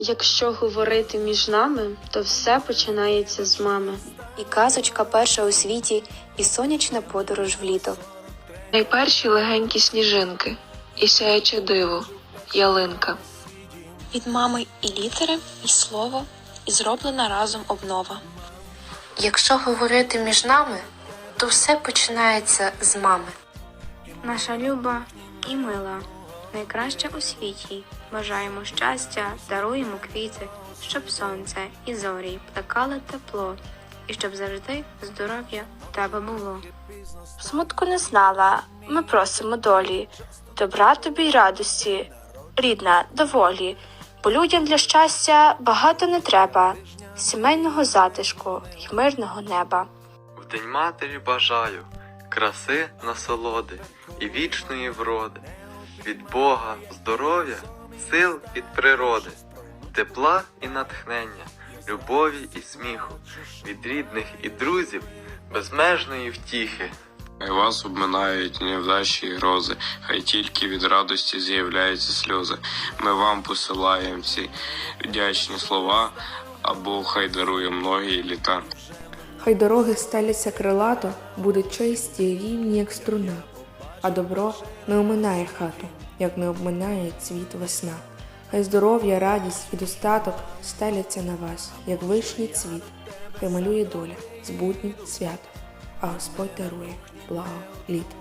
Якщо говорити між нами, то все починається з мами. І казочка перша у світі, і сонячна подорож в літо. Найперші легенькі сніжинки, і сяюче диво, ялинка. Від мами і літери, і слово, і зроблена разом обнова. Якщо говорити між нами, то все починається з мами. Наша люба і мила, найкраща у світі. Бажаємо щастя, даруємо квіти, щоб сонце і зорі плекали тепло, і щоб завжди здоров'я в тебе було. Смутку не знала, ми просимо долі, добра тобі й радості, рідна, доволі, бо людям для щастя багато не треба, сімейного затишку й мирного неба. В День матері бажаю краси, насолоди і вічної вроди, від Бога здоров'я, сил від природи, тепла і натхнення, любові і сміху, від рідних і друзів, безмежної втіхи. Хай вас обминають невдачі і грози, хай тільки від радості з'являються сльози. Ми вам посилаємо ці вдячні слова, а Бог хай дарує многі літа. Хай дороги стеляться крилато, будуть чисті й рівні, як струна, а добро не оминає хату, як не обминає цвіт весна. Хай здоров'я, радість і достаток стеляться на вас, як вишній цвіт, хай малює доля з буднім святом, а Господь дарує благо літ.